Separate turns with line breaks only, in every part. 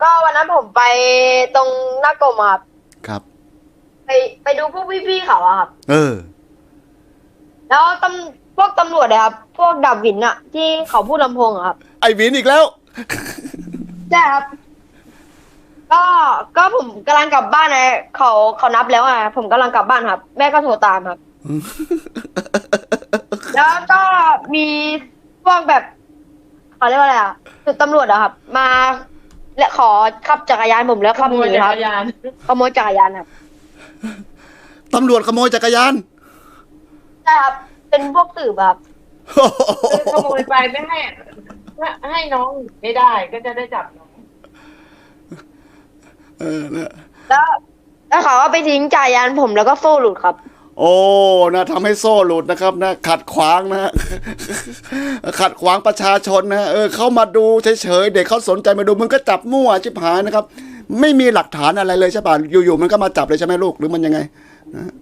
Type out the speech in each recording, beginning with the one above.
ก็วันนั้นผมไปตรงหน้ากรมอะครับ
ครับ
ไปไปดูพวกพี่ๆเขาอะครับ
เออ
แล้วพวกตำรวจอะครับพวกดับวินอะที่เขาพูดลำโพงอะครับ
ไอ้วินอีกแล้ว
ใช่ครับก็ก็ผมกำลังกลับบ้านนะเขานับแล้วอะผมกำลังกลับบ้านครับแม่ก็โทรตามครับแล้วก็มีพวกแบบเขาเรียกว่าอะไรอะจุดตำรวจอะครับมาและขอขับจักรยานผมแล้วขับหนีครับขโมยจักรยานครับ
ตำรวจขโมยจักรยาน
ใช่ครับเป็นพวกสืบอะครับ
คือขโมยไปไม่ให้ให้น้องไม่ได้ก็จะได้จับน้อง
เออนะ
แล้วแล้วเขาก็ไปทิ้งจักรยานผมแล้วก็โซ่หลุดครับ
โอ้นะทำให้โซ่หลุดนะครับนะขัดขวางนะ ขัดขวางประชาชนนะเขามาดูเฉยๆเด็กเขาสนใจมาดูมึงก็จับมั่วชิบหายนะครับไม่มีหลักฐานอะไรเลยใช่ป่ะอยู่ๆมันก็มาจับเลยใช่ไหมลูกหรือมันยังไงนะ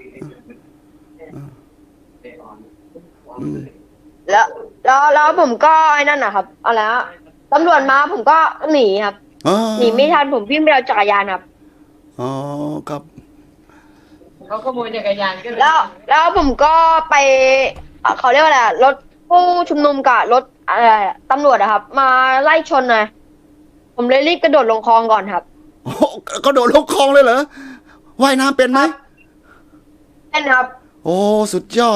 แล้วผมก็ไอ้นั่นนะครับอะไรนะตำรวจมาผมก็หนีครับ
อ๋อ
หนีไม่ทันผมวิ่งไปเอาจักรยานครับ
อ๋อครับ
เขาขโมยจักรยานก็เลย
แล้วผมก็ไปเขาเรียกว่าอะไรรถผู้ชุมนุมกับรถอะไรตำรวจอะครับ มาไล่ชนนะผมเลยรีบกระโดดลงคลองก่อนครับ
โอ้ก็โดดลงคลองเลยเหรอว่ายน้ำเป็นไหม
เป็นครับ
โอ้สุดยอด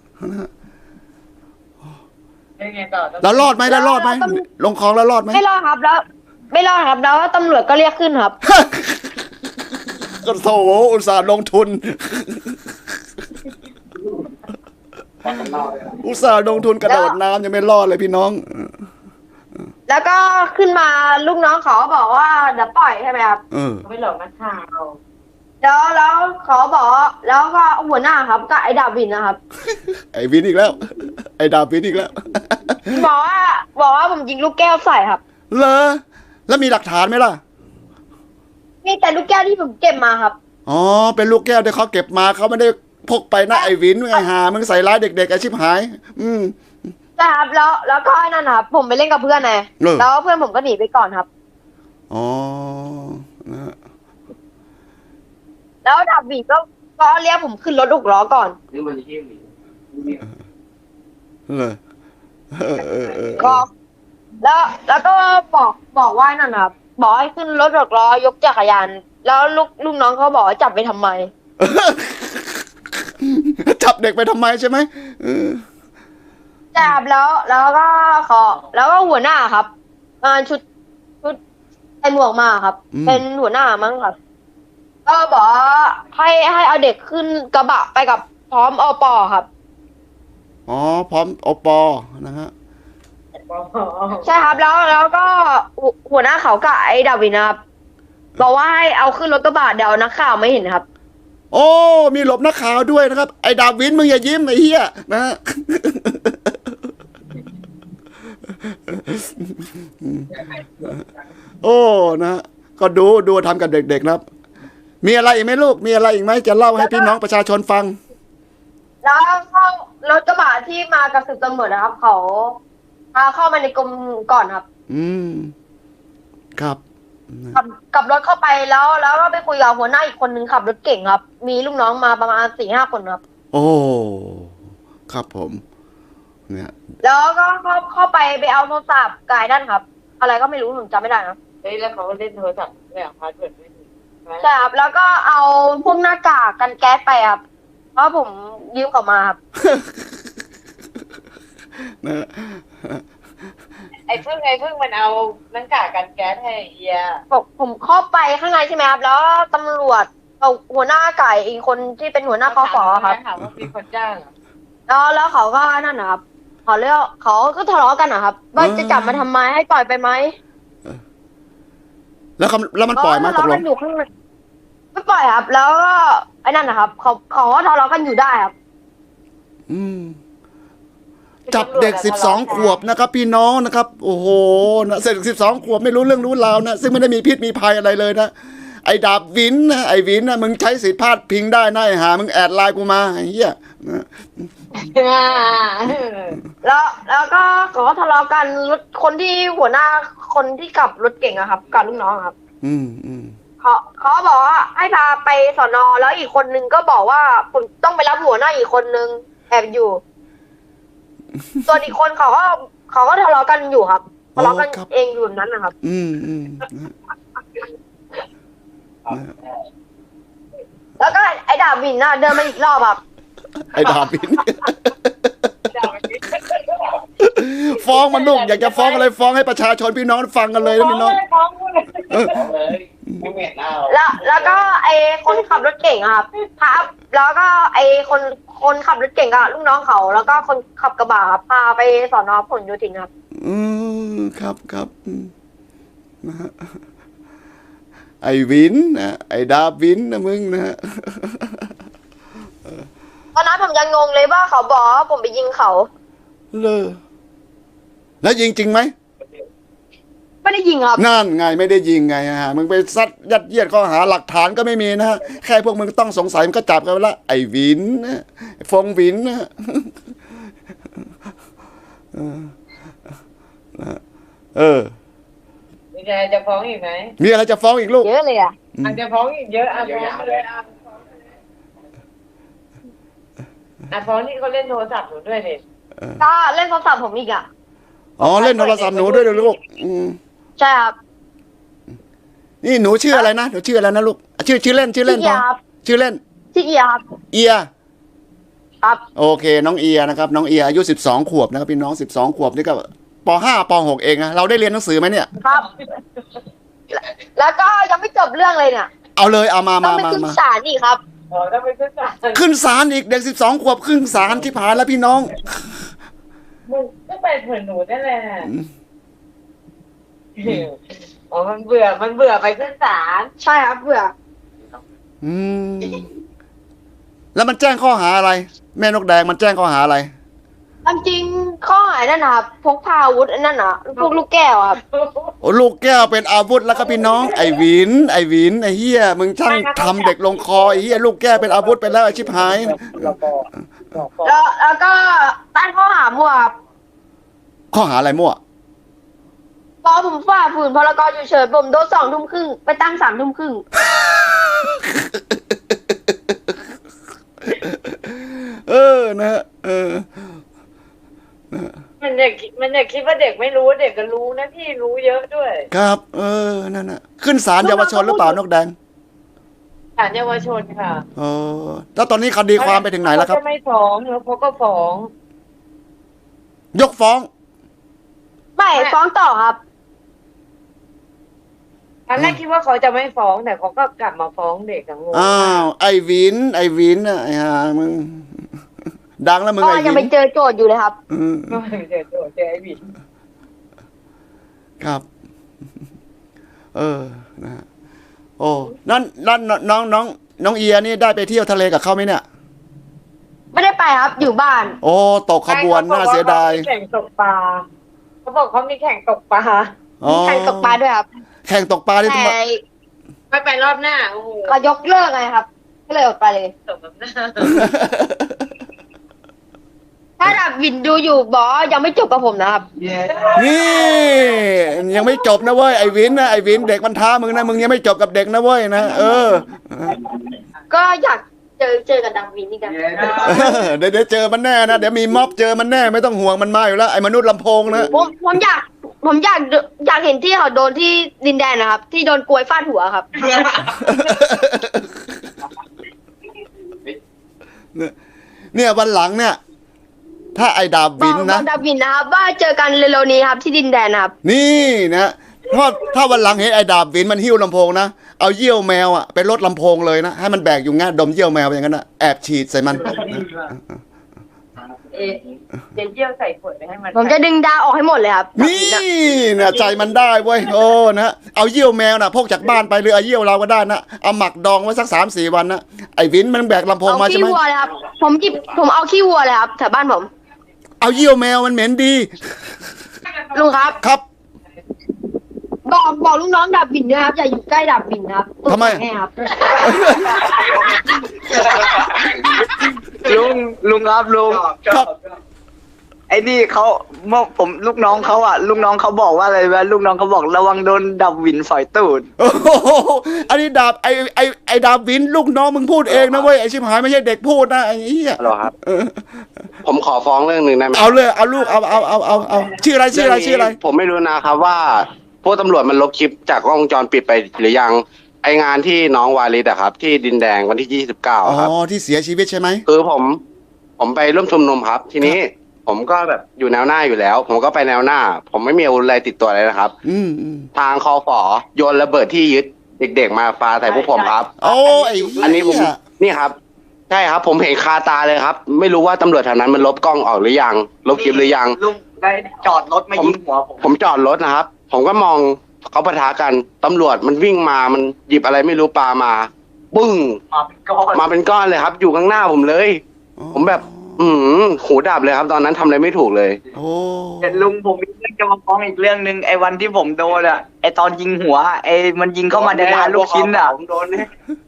เป็นไงต่อ
แล้วรอดไหมลงคลองแล้วรอดไหม
ไม่รอดครับแล้วไม่รอดครับแล้วตำรวจก็เรียกขึ้นครับ
ก็โถอุตส่าห์ลงทุน อุตส่าห์ลงทุนกระโดดน้ำยังไม่รอดเลยพี่น้อง
แล้วก็ขึ้นมาลูกน้องเขาบอกว่าเดี๋ยวปล่อยใช่ไหมครับ
เขาไม่หลอกนักข่าว
แล้วเขาบอกแล้วก็หัวหน้าครับก็ไอ้ดาวินนะครับ
ไอ้วินอีกแล้ว ไอ้ดาวินอีกแล้ว
บอกว่าผมยิงลูกแก้วใส่ครับ
เหรอแล้วมีหลักฐานไหมล่ะ
มีแต่ลูกแก้วที่ผมเก็บมาครับ
อ๋อเป็นลูกแก้วที่เขาเก็บมาเขาไม่ได้พกไปนะไอ้วินไอ้หามึงใส่ร้ายเด็กๆไอ้ชิบหาย
ใช่ครับแล้วก็ไอ้นั่นครับผมไปเล่นกับเพื่อนไงแล้วเพื่อนผมก็หนีไปก่อนครับ
อ๋อนะ
แล้วดาวินก็เรียกผมขึ้นรถหกล้อก่อน
เลย
ก็แล้วก็บอกว่านั่นครับบอกให้ขึ้นรถหกล้อยกจักรยานแล้วลูกน้องเขาบอกว่าจับไปทำไม
จับเด็กไปทำไมใช่ไหม
จับแล้วก็แล้วก็หัวหน้าครับชุดใส่หมวกมาครับเป็นหัวหน้ามั้งครับก็บอกให้เอาเด็กขึ้นกระบะไปกับพร้อมอปครับ
อ๋อพร้อมอปนะฮะ
ใช่ครับแล้วก็หัวหน้าเขากับไอ้ดาวินนะครับบอกว่าให้เอาขึ้นรถกระบะเดี๋ยวนักข่าวไม่เห็นครับ
โอ้มีหลบนักข่าวด้วยนะครับไอ้ดาวินมึงอย่ายิ้มไอ้เหี้ยนะฮะโอ้นะก็ดูทำกับเด็กๆนะครับมีอะไรอีกไหมลูกมีอะไรอีกไหมจะเล่าให้พี่น้องประชาชนฟัง
แล้วเข้ารถกระบะที่มากับสืบตำรวจนะครับเขาพาเข้ามาในกรมก่อนครับ
ครับ
กับรถเข้าไปแล้วก็ไปคุยกับหัวหน้าอีกคนนึงขับรถเก่งครับมีลูกน้องมาประมาณ4-5 คนครับ
โอ้ครับผมเนี่ย
แล้วก็เข้าไปเอาโทรศัพท์กายด้านครับอะไรก็ไม่รู้ผมจำไม่ได้นะ
เฮ้ยแล้วเขาเล่นโทรศัพท์ไม่เอาพาสเวิร์ดไม่ถูก
ใช่ครับแล้วก็เอาพวกหน้ากากกันแก๊สไปครับเพราะผมยืมเขามาครับ
ไอ้พึ่งมันเอาหน้ากากกันแก๊สให้เอีย
ผมเข้าไปข้างในใช่ไหมครับแล้วตำรวจเอาหัวหน้าไก่อีกคนที่เป็นหัวหน้าคฝครับ
ถามว่ามีคนจ้าง
แล้วเขาก็นั่นนะครับเขาก็ทะเลาะกันนะครับว่าจะจับมาทำไมให้ปล่อยไปไหม
แล้วมันปล่อยไหมตกลง
ไม่ปล่อยครับแล้วก็ไอ้นั่นนะครับเขาก็ทะเลาะกันอยู่ได้ครับ
จับเด็ก12 ขวบนะครับพี่น้องนะครับโอ้โหนะเด็ก12 ขวบไม่รู้เรื่องรู้ราวนะซึ่งไม่ได้มีพิษมีภัยอะไรเลยนะไอ้ดาบวินนะไอ้วินนะมึงใช้สิทธิพาดพิงได้นะไอ้หามึงแอดไลน์กูมาไอ้เหี้ยนะ
แล้วก็เขาก็ทะเลาะกันรถคนที่หัวหน้าคนที่ขับรถเก่งอะครับกับลูกน้องครับ
อืมอืม
เขาบอกว่าให้พาไปสอนอแล้วอีกคนนึงก็บอกว่าผมต้องไปรับหัวหน้าอีกคนนึงแอบอยู่ ส่วนอีกคนเขาก็ทะเลาะกันอยู่ครับทะเลาะกันเองอยู่แบบนั้นนะครับ
อืมอืม
แล้วก็ไอ้ดาบวินน่ะเดินมาอีกรอบครับ
ไอ้ดาบิน ฟ้องมันลูกอยากจะฟ้องอะไรฟ้องให้ประชาชนพี่น้องฟังกันเลยนะพี่น้อง
ไม่เหม็นหน้า
แล้วก็ไอ้คนขับรถเก่งอะครับแล้วก็ไอ้คนขับรถเก่งอะลูกน้องเขา แล้วก็คนขับกระบะครับพาไปสอนอพหลโยธินครับ
อืมครับครับนะฮะไอ้วินนะไอ้ดาวินนะมึงนะฮะ
ตอนนั้นผมยังงงเลยว่าเขาบอกว่าผมไปยิงเขา
เลยแล้วยิงจริงไหม
ไม่ได้ยิงครับ
นั่นไงไม่ได้ยิงไงฮะมึงไปซัดยัดเยียดข้อหาหลักฐานก็ไม่มีนะฮะแค่พวกมึงต้องสงสัยมันก็จับกันไปละไอ้วินนะไอ้ฟงวินนะเออ
มีอะไรจะฟ้องอีกไหม
มีอะไรจะฟ้องอีกลูก
เยอะเลยอะ
อาจจะฟ้องอีกเยอะอ่ะฟ้องเลยอ่ะฟ้องที่เขาเล่นโทรศัพท์หนูด้วยดิ
ก็เล่นโทรศัพท์ผมอีกอะ
อ๋อเล่นโทรศัพท์หนูด้วยเหรอลูก
ใช่ครับ
นี่หนูชื่ออะไรนะหนูชื่ออะไรนะลูกชื่อเล่น
ชื่อเอียครับ
ชื่อเล่น
ชื่อเอียครับ
เอีย
ครับ
โอเคน้องเอียนะครับน้องเอียอายุ12 ขวบนะครับพี่น้อง12 ขวบนี่ก็ป.5 ป.6 เองนะเราได้เรียนหนังสือไหมเนี่ย
ครับ แล้วก็ยังไม่จบเรื่องเลยเนี่ย
เอาเลยเอามา
ต้องไปขึ้นศาลอีกครับ
อ๋อถ้าไปขึ้นศาล
ขึ้นศาลอีกเด็ก12 ขวบขึ้นศาลที่ผ่านแล้วพี่น้อง
มึงก็ไปเหมือนหนูนั่นแหละอ๋อมันเบื่อไปขึ้นศาล
ใช่ครับเบื่อ
อืมแล้วมันแจ้งข้อหาอะไร แม่นกแดงมันแจ้งข้อหาอะไร
ความจริงข้อหานั่นนะครับพกพาอาวุธอันนั่นนะพวกลูกแก้วครับ
โอ้ลูกแก้วเป็นอาวุธแล้วก็พี่น้องไอ้หวินไอ้เฮียมึงช่างทำเด็กลงคอไอ้เฮียลูกแก้วเป็นอาวุธไปแล้วไอ้ชิบหาย
แล้วก็ตั้งข้อหามั่วครับ
ข้อหาอะไรมั่ว
พอผมฝ่าฝืนพรกฉุกเฉินผมโดน2 ทุ่มครึ่งไปตั้ง3 ทุ่มครึ่ง
เออนะฮะเออ
มันเด็กคิดว่าเด็กไม่รู้เด็กก็รู้นะพี่รู้เยอะด้วย
ครับ เออนั่นน่ะขึ้นศาลเยาวชนหรือเปล่านกแดง
ศาลเยาวชนค่ะ
เออแล้วตอนนี้คดีความไปถึงไหนแล้วครับ
เขาจะไม่ฟ้องแล้วเขาก็ฟ้อง
ยกฟ้อง
ไม่ฟ้องต่อครับ
ตอนแรกคิดว่าเขาจะไม่ฟ้องแต่เขาก็กลับมาฟ้องเด็กกังวล
อ้าวไอ้วินน่ะไอ้ห่ามึงดังแล้วมึง
ก็
ไอ้
ยัง
วิ
ไป
น
เจอโจทย์อยู่เลยครับ
อืม
ก็เจอไอ้บิด
ครับ เออนะฮะโอ้นั่นน้องเอียนี่ได้ไปเที่ยวทะเลกับเขาไหมเนี่ย
ไม่ได้ไปครับอยู่บ้าน
โอ้ตกขบวนน่าเสียดาย
แข่งตกปลาเขาบอกเขามีแข่งตกปลา
อ๋อ
แข่งตกปลาด้วยครับ
แข่งตกปลาที่ต้อง
แต่
ไม่ไปรอบหน้าโอ้โห
เขายกเลิกไงครับ ก็เลยอดไปเลย
ตกแบบหน้า
ถ้าดับวินดูอยู่บอกว่ายังไม่จบกับผมนะครับ
นี่ยังไม่จบนะเว้ยไอ้วินเด็กมันท้ามึงนะมึงยังไม่จบกับเด็กนะเว้ยนะเออ
ก็อยากเจอกับดับวินนี่กัน
เดี๋ยวเจอมันแน่นะเดี๋ยวมีม็อบเจอมันแน่ไม่ต้องห่วงมันมาอยู่แล้วไอ้มนุษย์ลำโพงนะ
ผมอยากเห็นที่เขาโดนที่ดินแดนนะครับ ที่โดนกลวยฟาดหัวครับ
เนี่ยวันหลังเนี่ย ถ้าไอ้ดาบวิน
บ
นะ
อกดับวินนะครับว่าเจอกันเร็วๆนี้ครับที่ดินแดนนะครับ
นี่นะถ้าวันหลังเห็นไอ้ดาบวินมันหิ้วลำโพงนะเอาเยี่ยวแมวอ่ะไปลดลำโพงเลยนะให้มันแบกอยู่งั้นดมเยี่ยวแมวอย่างนั้นนะแอบฉีดใส่มัน
เดี๋ยวเยี่ยวใส่ขวดไปให้มัน
ผมจะดึงดาวออกให้หมดเลยครับ
นี่นะใจมันได้เว้ยโอ้นะเอาเยี่ยวแมวนะพกจากบ้านไปหรือเอาเยี่ยวเราก็ได้นะเอาหมักดองไว้สัก3-4 วันนะไอ้วินมันแบกลำโพง
เอา
มาใช่
ขี้
ไหม
วัวเลยครับผมเอาขี้วัวเลยครับแถวบ้านผม
เอาเยี่ยวแมวมันเหม็นดี
ลุงครับ
ครับ
บอกลูกน้องดับวินด้วยครับอย่าอยู่ใกล้ดับวินนะครับ
ทำไม
แม่ครับ
เ
ลุงครับลุง
ครับ
ไอ้นี่เขาเมื่อผมลูกน้องเขาลูกน้องเขาบอกว่าอะไรวะลูกน้องเขาบอกระวังโดนดับวินสอยตูด
โอ้โหอันนี้ดาบไอ้ดาบวินลูกน้องมึงพูดเองนะเว้ยไอ้ชิบหายไม่ใช่เด็กพูดนะไอ้เหี้ย
ฮัลโหลครับ ผมขอฟ้องเรื่องหนึ่งได้ไหม
เอาเลยเอาลูกเอาชื่ออะไรชื่ออะไร
ผมไม่รู้นะครับว่าพวกตำรวจมันลบคลิปจากกล้องวงจรปิดไปหรือยังไองานที่น้องวาลิดอะครับ ที่ดินแดงวันที่29ครับ
อ๋อที่เสียชีวิตใช่ไหม
คือผมไปร่วมชุมนุมครับ ทีนี้ผมก็แบบอยู่แนวหน้าอยู่แล้ว ผมก็ไปแนวหน้า ผมไม่มีอาวุธอะไรติดตัวเลยนะครับ
อืม
ทางคอฝอโยนระเบิดที่ยึดเด็กๆมาปาใส่พวกผมครับ
โอ้ไอ้เหี้ย
อันนี้ผมนี่ครับใช่ครับ ผมเห็นคาตาเลยครับ ไม่รู้ว่าตำรวจแถวนั้นมันลบกล้องออกหรือยังลบคลิปหรือยัง
ลุงได้จอดรถมายิงหัวผม
ผมจอดรถนะครับ ผมก็มองเขาปะทะกันตำรวจมันวิ่งมามันหยิบอะไรไม่รู้ปามาปึ้ง
มาเป็นก้อน
มาเป็นก้อนเลยครับ อยู่ข้างหน้าผมเลย ผมแบบ หูดับเลยครับ ตอนนั้นทำอะไรไม่ถูกเลย
โอ้
แต่ลุงผมมีเรื่องจะมาฟ้องอีกเรื่องหนึ่งไอ้วันที่ผมโดนไอ้ตอนยิงหัวไอ้มันยิงเข้ามาในร้านลูกชิ้น
ผมโดนเนี่ย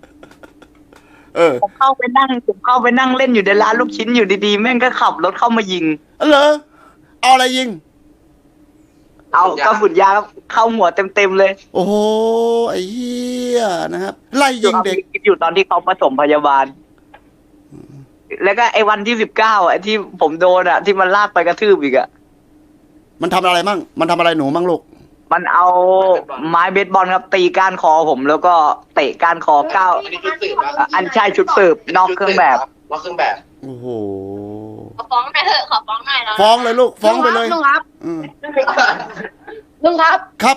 ผมเข้าไปนั่งเล่นอยู่ในร้านลูกชิ้นอยู่ดีๆแม่งก็ขับรถเข้ามายิง
เหรอเอาอะไรยิง
เอากระสุนยางเข้าหัวเต็มๆเลย
โอ้โหไอ้เหี้ยนะครับไล่ยิงเด็ก
อยู่ตอนที่เขาผสมพยาบาล แล้วก็ไอ้วันที่19ไอ้ที่ผมโดนที่มันลากไปกระทืบอีก
มันทำอะไรมั่งมันทำอะไรหนูมั่งลูก
มันเอาไม้เบสบอลครับตีก้านคอผมแล้วก็เตะก้านคออันใช่ชุดสืบนอกเครื่องแบบ
นอกเครื่องแบบ
โอ้โห
ขอฟ้องหน่อยเถอะขอฟ้องหน่อยนะ
ฟ้องเลยลูกฟ้องไปเลย
ลุงครับ
อืม
ลุงครับ
ครับ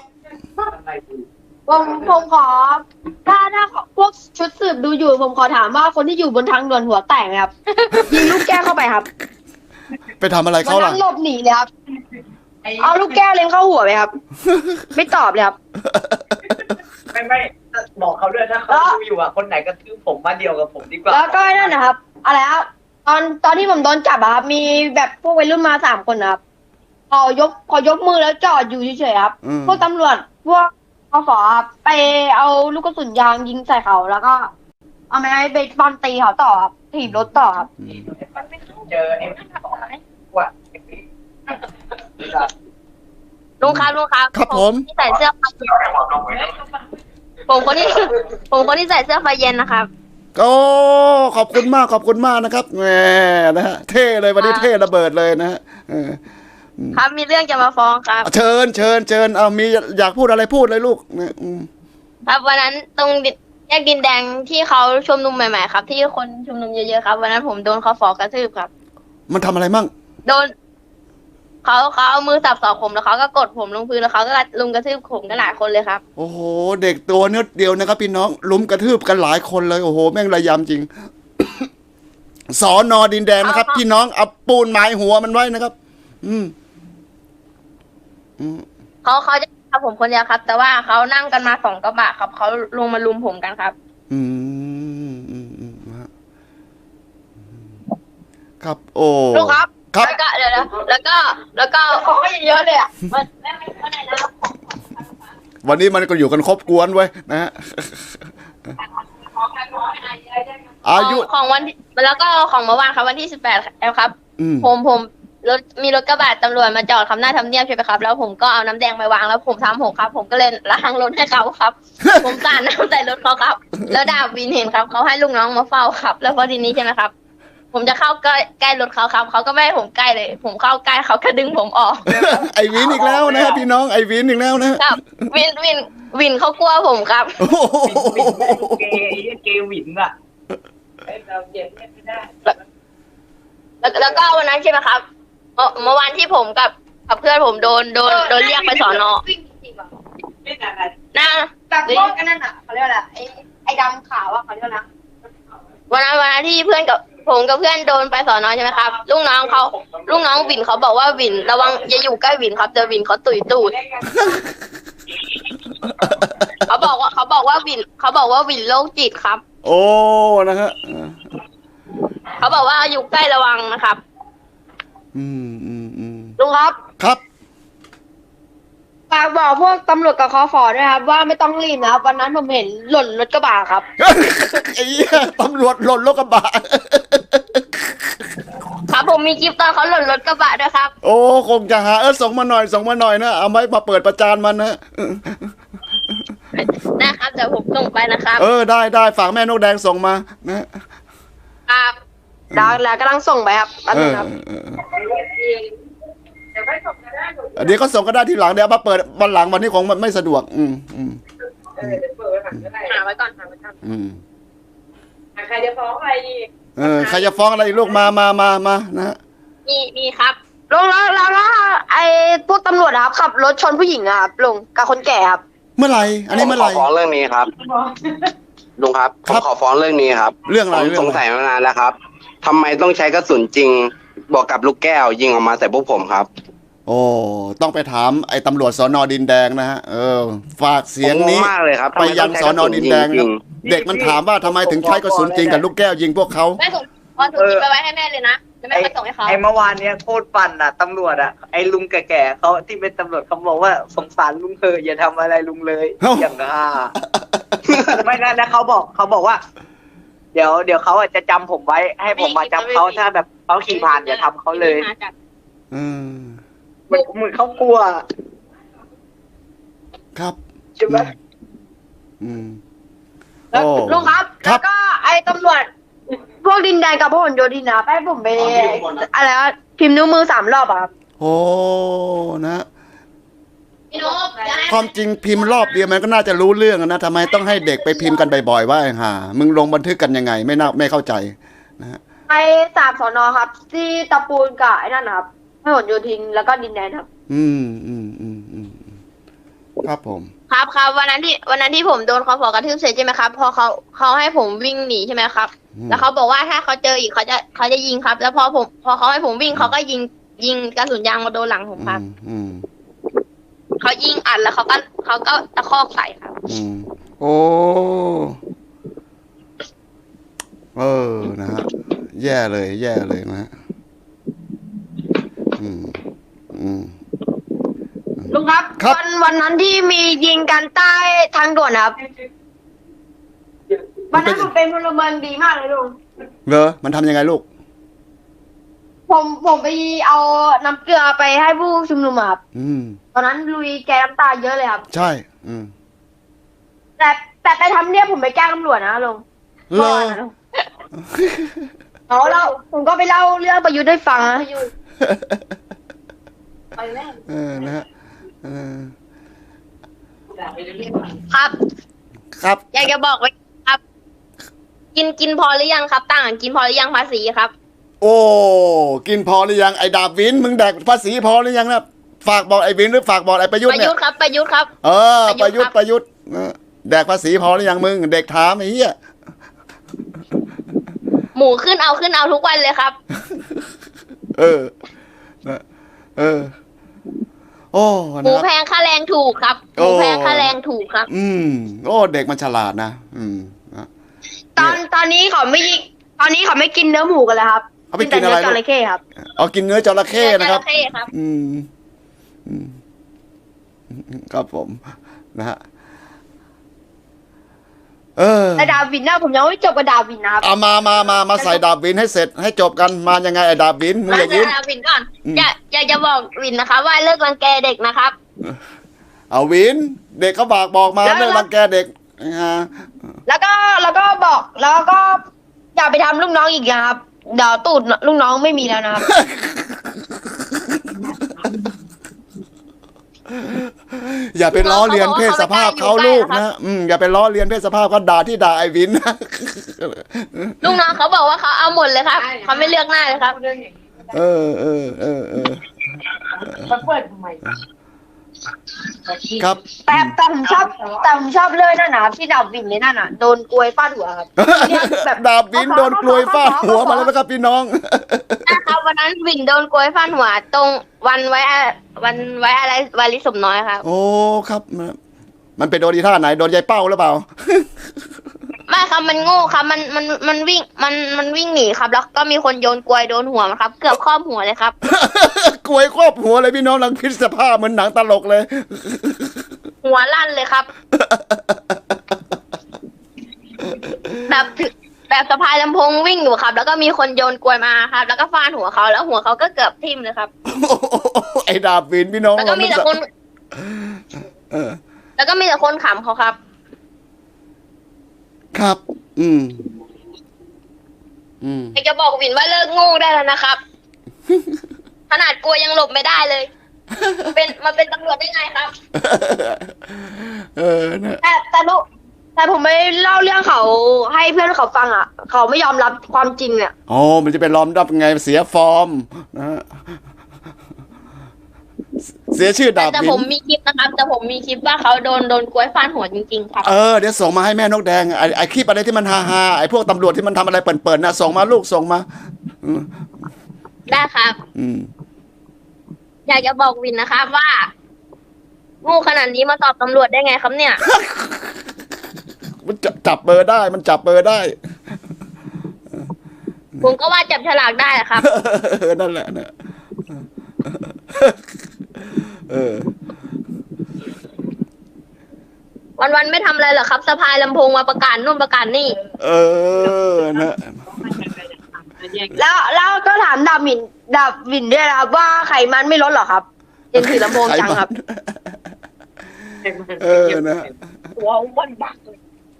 ผมขอถ้าพวกชุดสืบดูอยู่ผมขอถามว่าคนที่อยู่บนทางด่วนหัวแตกไหมครับ ยิงลูกแก้วเข้าไปครับ
ไปทำอะไร
วัน
เขาล่ะ
นั้นหลบหนีเลยครับเอาลูกแก้วเล็งเข้าหัวไปครับ ไม่ตอบเลยครับ
ไม่บอกเขาด้วยถ้าเขาดูอยู่คนไหนก็ทืบผมมาเดียวกับผมดีกว่า
แล้วก็นั่นนะครับอะไรครับตอนที่ผมโดนจับอะครับมีแบบพวกวัยรุ่นมา3 คนนะครับขอยกมือแล้วจอดอยู่เฉยๆครับ พวกตำรวจพวกปฟครับไปเอาลูกกระสุนยางยิงใส่เขาแล้วก็เอาไม้เบสบอลตีเขาต่อครับถีบรถต่อครับ
เจอไอ้ว่า
ลุงครับ
ครับผม
ที่ใส่เสื้อไฟเย็นผมคนที่ใส่เสื้อไฟเย็นนะครับ
ก็ขอบคุณมากนะครับแหมนะฮะเท่เลยวันนี้เท่ระเบิดเลยนะฮะ
ครับมีเรื่องจะมาฟ้องครับ
เชิญเอามีอยากพูดอะไรพูดเลยลูกเนี่ย
ครับวันนั้นตรงแยกดินแดงที่เขาชุมนุมใหม่ๆครับที่คนชุมนุมเยอะๆครับวันนั้นผมโดนเขาฟ้องกระทืบครับ
มันทำอะไรมั่ง
โดนเขาเอามือสับศอกผมแล้วเขาก็กดผมลงพื้นแล้วเขาก็ลุมกระทืบผมกันหลายคนเลยครับ
โอ้โหเด็กตัวนิดเดียวนะครับพี่น้องลุมกระทืบกันหลายคนเลยโอ้โหแม่งระยำจริง สอนอดินแดงนะครับพี่น้องเอาปูนหมายหัวมันไว้นะครับ
เขาจะทำผมคนเดียวครับ แต่ว่าเขานั่งกันมา2 กระบะครับเขาลงมาลุมผมกันครับ
ครับโอ้
ลุงครับ
ครับ
แล้วก็เดี๋ยวแล้วก็ของก็เยอะเลยอ่ะมันไม่ได้แล้ว
วันนี้มันก็อยู่กันครบกวนไว้ยนะฮะอายุ
ของวันแล้วก็ของเมื่อวานครับวันที่18ครับผมมีรถกระบะตำรวจมาจอดคำหน้าทำเนียบใช่ไหมครับแล้วผมก็เอาน้ำแดงไปวางแล้วผมทำหกครับผมก็เลยล้างรถให้เขาครับ ผมสาดน้ำใส่รถเขาครับแล้วดาบวินเห็นครับเขาให้ลูกน้องมาเฝ้าครับ แล้วพอทีนี้ใช่ไหมครับผมจะเข้าใกล้รถเขาครับเขาก็ไม่ให้ผมใกล้เลย ผมเข้าใกล้เขาก็ดึงผมออก
ไอวินอีกแล้วนะฮะพี่น้องไอวินอีกแล้วนะครับ
วินเขากลัวผมครับ
เกวินอ่ะ
แล้วก็วันนั้นใช่ไหมครับเมื่อวานที่ผมกับเพื่อนผมโดนเรียกไปสอนอนะแบบพวกนั่นอ่ะเขาเรียกอะไรไอ้ดำขาวอ่ะเขาเรียกนะวันนั้นที่เพื่อนกับผมกับเพื่อนโดนไปสอนอใช่ไหมครับลูกน้องวินเขาบอกว่าวินระวังอย่าอยู่ใกล้วินครับเจอวินเขาตุยตูดเขาบอกว่าวินโรคจิตครับ
โอ้นะฮะ
เขาบอกว่าอยู่ใกล้ระวังนะครับลุงครับ
ครับ
ฝากบอกพวกตำรวจกับคฟด้วยครับว่าไม่ต้องรีบนะครับวันนั้นผมเห็นหล่นรถกระบะครับ
ไอ้เหี้ยตำรวจหล่นรถกระบะ
ผมมีคลิปตอนเขาหล่นรถกระบะด้วยครับ
โอ้คงจะหาส่งมาหน่อยนะเอาไว้มาเปิดประจานมันนะ
นะครับเดี๋ยวผมส่งไปนะครับ
ได้ฝากแม่นกแดงส่งมานะครับ
แล้วกำลังส่งไปครับแป๊บนึงครับ
เดี๋ยวไม่ส่งก็ได้
เดี๋ยวก็ส่งก็ได้ทีหลังเดี๋ยวเอามาเปิดวันหลังวันนี้คงไม่สะดวก
เดี๋ยวเปิดไว้ก่อนก็ได้
หาไว้ก่อน
ใครจะฟ้องอะไรอีก
ใครจะฟ้องอะไรอีกลูกมานะ
มีครับลุงแล้วไอ้พวกตำรวจครับขับรถชนผู้หญิงอะครับลุงกับคนแก่ครับ
เมื่อไหร่อันนี้เมื่อไหร่
ผมขอฟ้องเรื่องนี้ครับลุงครับผมขอฟ้องเรื่องนี้ครับ
เรื่องอะไร
ผมสงสัยมานานแล้วครับทำไมต้องใช้กระสุนจริงบวกกับลูกแก้วยิงออกมาใส่พวกผมครับ
โอ้ต้องไปถามไอ้ตำรวจสน.ดินแดงนะฮะฝากเสียงนี้
ผมงงมากเลยครับ
ไปยังสน.ดินแดงนะเด็กมันถามว่าทำไมถึงใช้กระสุนจริงกับลูกแก้วยิงพวกเขา
แม่ส่งพอส่งคลิปไปไว้ให้แม่เลยนะจะไม่ไปส่งให้เขา
ไอ้เมื่อวานเนี้ยโคตรปั่นอ่ะตำรวจอ่ะไอ้ลุงแก่ๆเขาที่เป็นตำรวจเขาบอกว่าสงสารลุงเธอะอย่าทำอะไรลุงเลย อย่างไม่นะเขาบอกว่า เดี๋ยวเขาจะจำผมไว้ให้ผมมาจำเขาถ้าแบบเขาขี่ผ่านอย่าทำเขาเลยเหมือนเขากลัว
ครับ
ใช่ไหม
แล้วลุงครับแล้วก็ไอ้ตำรวจพวกดินแดงกับพวกโยธินนะให้ผมไปอะไรวะพิมพ์นิ้วมือ3 รอบอะครับ
โอ้นะ
พี่นุ๊ก
ความจริงพิมพ์รอบเดียวมันก็น่าจะรู้เรื่องนะทำไมต้องให้เด็กไปพิมพ์กันบ่อยๆว่าห่ามึงลงบันทึกกันยังไงไม่เข้าใจนะฮะ
ไป3 สน.ครับ ที่ตะปูนกับไอ้นั่นนะครับพหลโยธินแล้วก็ดินแดงครับ
ครับผม
ครับวันนั้นที่ผมโดนคอฟอกระทืบเสร็จใช่ไหมครับพอเขาให้ผมวิ่งหนีใช่ไหมครับ แล้วเขาบอกว่าถ้าเขาเจออีกเขาจะยิงครับ แล้วพอเขาให้ผมวิ่งเขาก็ยิงกระสุนยางมาโดนหลังผมครับเขายิงอัดแล้วเขาก็ตะคอกใส่ครับ
โอ้นะฮะแย่เลยนะฮะ
ลุงครับวันนั้นที่มียิงกันใต้ทางด่วนครับวันนั้นผมเป็นพลเมืองดีมากเลยลุง
เหรอมันทำยังไงลูก
ผมไปเอาน้ำเกลือไปให้ผู้ชุมนุมครับตอนนั้นลุยแกน้ำตาเยอะเลยครับ
ใช่
แต่ไปทำเนี่ยผมไปแกล้งตำรวจนะลุงแล้วผมก็ไปเล่าเรื่องประยุทธ์ให้ฟังนะไปแม่
นะฮะ
ครับอยากจะบอกไว้ครับ กินพอหรือยังครับต่างกินพอหรือยังภาษีครับ
โอ้กินพอหรือยังไอ้ดาบวินมึงแดกภาษีพอหรือยังนะฝากบอกไอ้วินหรือฝากบอกไอ้ประยุทธ์เนี่ย
ประยุทธ์ครับ
ประยุทธ์แดกภาษีพอหรือยังมึงเด็กถามไอ้เหี้ย
หมูขึ้นเอาทุกวันเลยครับ
โอ้
หมูแพงค่าแรงถูกครับหมูแพงค่าแรงถูกครับ
โอ้เด็กมันฉลาดนะ
ตอนนี้เขาไม่กินเนื้อหมูกันแล้วครับ
เขาไปกินอะไร
จระเข้ครับ
กินเนื้อจระเข้นะครับครับผมนะฮะ
แต่ดาวินนะผมยังไม่จบกับดาวินนะครับ
มาใส่ดาวินให้เสร็จให้จบกันมายังไงไอ้ดาวินมึงอย่ายิ้ม
ดาวินก่อนอยากจะบอกวินนะคะว่าเลิกรังแกเด็กนะครับ
เอาวินเด็กเขาบอกมาเลิกรังแกเด็ก
แล้วก็บอกแล้วก็อย่าไปทำลูกน้องอีกนะครับเดี๋ยวตูดลูกน้องไม่มีแล้วนะครับ
อย่าไปล้อเลียนเพศสภาพเขาลูกนะอย่าไปล้อเลียนเพศสภาพเขาด่าไอ้วินนะ
ลูกน้องเขาบอกว่าเขาเอาหมดเลยครับเขาไม่เลือกหน้าเลยครับ
มาเปิดทำไม
ครับ
แต่ผมชอบเลยนั่นนะที่ดาวินนี่นั่นน่ะโดนกลวยฟาดหัวครับ
ดาวินโดนกลวยฟาดหัวมาแล้วนะครับพี่น้อง
นะครับวันนั้นวินโดนกลวยฟาดหัวตรงวันไว้อะไรวาลิสมน้อยครับ
โอ้ครับมันเป็นโดนที่ท่าไหนโดนยายเป้าหรือเปล่า
ไม่ครับมันโง่ครับมันวิ่งมันวิ่งหนีครับแล้วก็มีคนโยนกลวยโดนหัวมันครับเกือบครอบหัวเลยครับ
กลวยครอบหัวเลยพี่น้องหลังพิษสภาพเหมือนหนังตลกเลย
หัวลั่นเลยครับแบบแบบสะพายลำโพงวิ่งอยู่ครับ แล้วก็มีคนโยนกลวยมาครับ แล้วก็ฟาดหัวเขาแล้วหัวเขาก็เกือบทิ่มเลยครับ
ไอ้ดาบวินพี่น้อง
แล้วก็มีแต่คน
เออ
แล้วก็มีแต่คนขำเขาครับ
ครับ อืม
อยากจะบอกวินว่าเลิกโง่ได้แล้วนะครับ ขนาดกลัวยังหลบไม่ได้เลย มันเป็นตำรวจได้ไงครับ
เออนะ
แต่ผมไม่เล่าเรื่องเขาให้เพื่อนเขาฟังอ่ะ เขาไม่ยอมรับความจริงเนี่ย
อ๋อมันจะเป็นล้อมดับไงเสียฟอร์มนะฮะเสียชื่อดาบ
แต่
วิ
ผม
น
มีคลิปนะครับ แต่ผมมีคลิปว่าเขาโดนกล้วยฟาดหัวจริงๆครับ
เออเดี๋ยวส่งมาให้แม่นกแดงไอ้คลิปอะไรที่มันฮาๆไอ้พวกตำรวจที่มันทำอะไรเปิดๆนะส่งมาลูกส่งมาอืม
ได้ครับ
อืม
อยากจะบอกวินนะครับว่าโงูขนาดนี้มาตอบตำรวจได้ไงครับเนี่ย
มันจับเบอร์ได้มันจับเบอร์ได้
ผมก็ว่าจับฉลากได้อะครับ
นั่นแหละนะเออ
วันๆไม่ทำอะไรหรอกครับสะพายลำโพงมาประกาศนู่นประกาศนี่
เออนะ
แล้วก็ถามดาบวินด้วยนะครับว่าไขมันไม่ลดหรอครับเห็นถือลำโพงจังครับ
เออนะ
หัววันบักเลย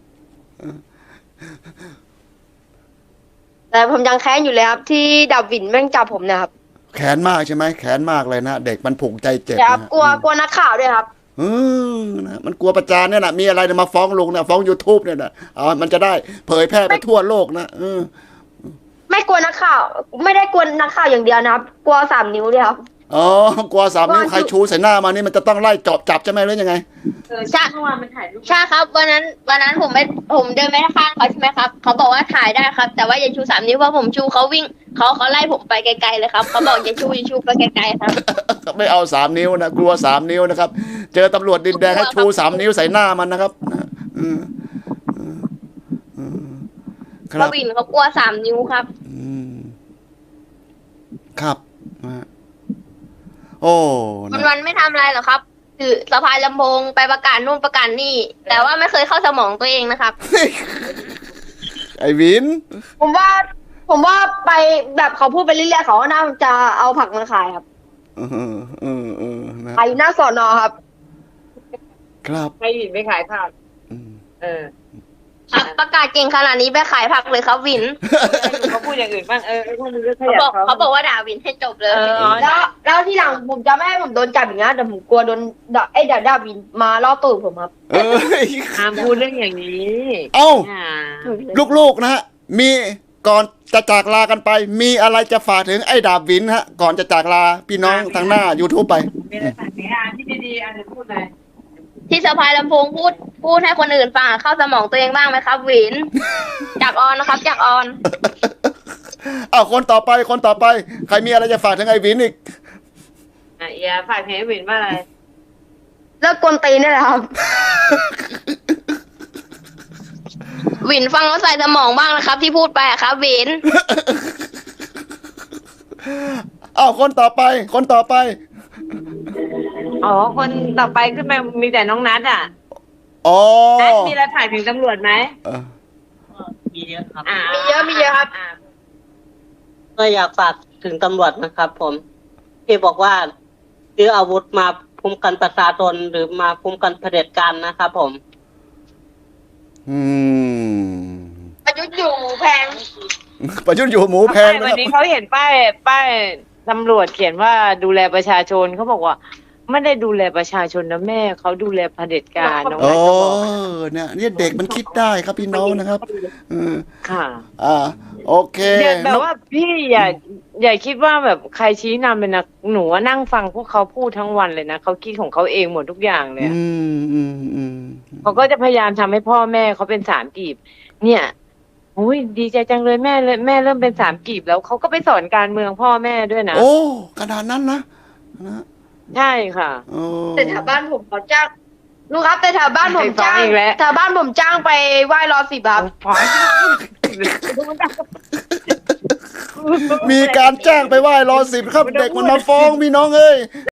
แต่ผมยังแค้นอยู่เลยครับ ที่ดาบวินแม่งจับผมนะครับ
แขนมากใช่ไหมแขนมากเลยนะเด็กมันผูกใจเจ็บ
ครับ
นะ
กลัวนักข่าวด้วยครับ
นะมันกลัวประจานเนี่ยนะมีอะไรเนี่ยมาฟ้องลุงเนี่ยฟ้อง YouTube เนี่ยนะมันจะได้เผยแพร่ไปทั่วโลกนะ
ไม่กลัวนักข่าว ไม่ได้กลัวนักข่าวอย่างเดียวนะครับ กลัว3 นิ้วด้วยครับ
อ๋อกลัว3 นิ้วใครชูใส่หน้ามานี่มันจะต้องไล่จับใช่ไหมหรือยังไง
ใช่
เมื่อวานมันถ่ายรูป
ใช่ครับวันนั้นผมเดินไปข้างเขาใช่ไหมครับเขาบอกว่าถ่ายได้ครับ แต่ว่าอย่าชู3 นิ้วเพราะผมชูเขาวิ่งเขาไล่ผมไปไกลๆเลยครับเขาบอกอย่าชูไปไกลๆครับ
ไม่เอา3 นิ้วนะกลัว3 นิ้วนะครับ เจอตำรวจดินแดงให้ชู3 นิ้วใส่หน้ามันนะครับค
ก
รับ
วินเขากลัว3 นิ้วครับ
ครับโอ้นะ
วันๆไม่ทำอะไรหรอกครับถือสะพายลำโพงไปประกาศนู่นประกาศนี่ แต่ว่าไม่เคยเข้าสมองตัวเองนะครับ
ไอ้วิน
ผมว่าไปแบบเขาพูดไปเรื่อยๆเขาก็น่าจะเอาผักมาขายครับ
นะ
ขายอยู่หน้าสอนอครับ
ครับ
ให้หินไปขายผัก
อืม
ครับประกาศเก่งขนาดนี้ไปขายผักเลยครับวิน
เขาพูดอย่างอื่นบ้างพวกมึงก็ข
เขา
ยั
บอกเขาบอกว่าด่าวินให้จบเลย แล้วที่หลังผมจะไม่ให้ผมโดนจับอย่างนี้แต่ผมกลัวโดนด่าวินมาล่อตูดผมครับ
เอ้ย
ห้ามพูดเรื่องอย่างนี้
เอ้า
อ่า
ลูกๆนะฮะมีก่อนจะจากลากันไป มีอะไรจะฝากถึงไอ้ดาบวินฮะก่อนจะจากลาพี่น้องทางหน้า YouTube ไป
มีอะไรฝากไหมที่ดีๆจะพูดเลย
ที่สะพายลำโพงพูดให้คนอื่นฟังเข้าสมองตัวเองบ้างไหมครับวิน จากออนนะครับจากออน
เอาคนต่อไปใครมีอะไรจะฝากถึงไอ้วินอีก
เอียฝากเพจวินว่าอะไร
เลิกกวนตีนได้แล้วครับ วินฟังแล้วใส่สมองบ้างนะครับ ที่พูดไปอะครับวิน
เอาคนต่อไป
อ๋อคนต่อไปขึ้นมามีแต่น้องนัทอ่ะ
อ๋อ
นัทมีอะไรถ่ายถึงตำรวจไหม
มีเยอะครับ
มีเยอะครับ
ก็อยากฝากถึงตำรวจนะครับ ผมที่บอกว่าซื้ออาวุธมาคุ้มกันประชาชนหรือมาคุ้มกันเผด็จการนะครับผม
ประยุทธ์อยู่แพง
ประยุทธ์อยู่หมูแพงนะ
วั
คน รับ
นี้เขาเห็นป้ายตำรวจเขียนว่าดูแลประชาชนเขาบอกว่าไม่ได้ดูแลประชาชนนะแม่เขาดูแลเผด็จการน้อง
โอ้
นัทก็บอก
เนี่ยเด็กมันคิดได้ครับพี่น้องนะครับ
ค่ะ
โอเค
เดี๋ยวแบบว่าพี่อย่าคิดว่าแบบใครชี้นำเลยนะหนูนั่งฟังพวกเขาพูดทั้งวันเลยนะเขาคิดของเขาเองหมดทุกอย่างเลยเขาก็จะพยายามทำให้พ่อแม่เขาเป็น3 กีบเนี่ยอุ้ยดีใจจังเลยแม่เริ่มเป็น3 กีบแล้วเขาก็ไปสอนการเมืองพ่อแม่ด้วยนะ
โอ้ขนาดนั้นนะ
ใช่ค่ะ
แต่แถวบ้านผมเขาจ้างลูกครับแต่แถวบ้านผมจ้าง
อีกแล้ว
แถวบ้านผมจ้างไปไหว้รอ10ครับ
มีการจ้างไปไหว้รอ10ครับ เด็กมันมาฟ้องพี่น้องเอ้ย